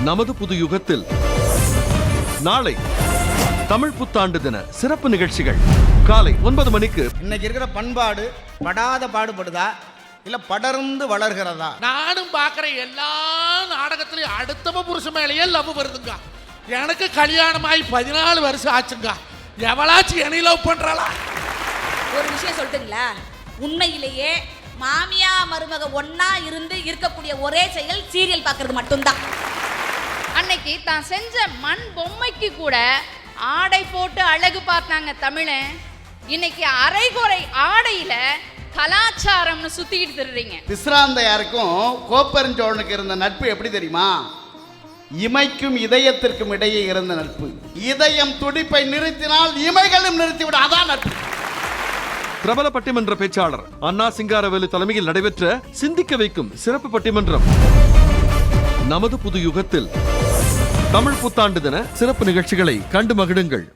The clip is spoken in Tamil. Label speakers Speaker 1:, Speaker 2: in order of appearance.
Speaker 1: நமது புது யுகத்தில் நாளை தமிழ் புத்தாண்டு தின சிறப்பு நிகழ்ச்சிகள் காலை 9 மணிக்கு.
Speaker 2: இன்னைக்கு இருக்கிற பண்பாடு படாத பாடுபடுதா இல்ல படர்ந்து வளர்கிறதா?
Speaker 3: நானும் பார்க்குற எல்லா நாடகத்திலையும் அடுத்தவ புருஷன் மேலேயே லவ் வருதுங்க. எனக்கு கல்யாணம் ஆகி 14 வருஷம் ஆச்சுங்க. எவளாச்சும் என்னை லவ் பண்றாளா?
Speaker 4: ஒரு விஷயம் சொல்லிட்டுங்களா, உண்மையிலேயே மாமியா மருமக ஒன்னா இருந்து இருக்கக்கூடிய ஒரே செயல் சீரியல் பார்க்கறது மட்டும்தான்.
Speaker 5: அன்னைக்கு தான் செஞ்ச மண் பொம்மைக்கு கூட ஆடை போட்டு அழகு பார்த்தாங்க தமிழன். இன்னைக்கு அரைகுறை ஆடையில கலாச்சாரம்னு சுத்திக்கிட்டு திருறீங்க.
Speaker 2: பிஸ்ராந்தையாருக்கும் கோப்பெருஞ்சோழனுக்கு இருந்த நட்பு எப்படி தெரியுமா? இமைக்கும் இதயத்திற்கும் இடையே இருந்த நட்பு. இதயம் துடிப்பை நிறுத்தினால் இமைகளும் நிறுத்திவிடும், அதான் நட்பு.
Speaker 1: பிரபல பட்டிமன்ற பேச்சாளர் அண்ணா சிங்காரவேலு தலைமையில் நடைபெற்ற சிந்திக்க வைக்கும் சிறப்பு பட்டிமன்றம் நமது புது யுகத்தில் தமிழ் புத்தாண்டு தின சிறப்பு நிகழ்ச்சிகளை கண்டு மகிழுங்கள்.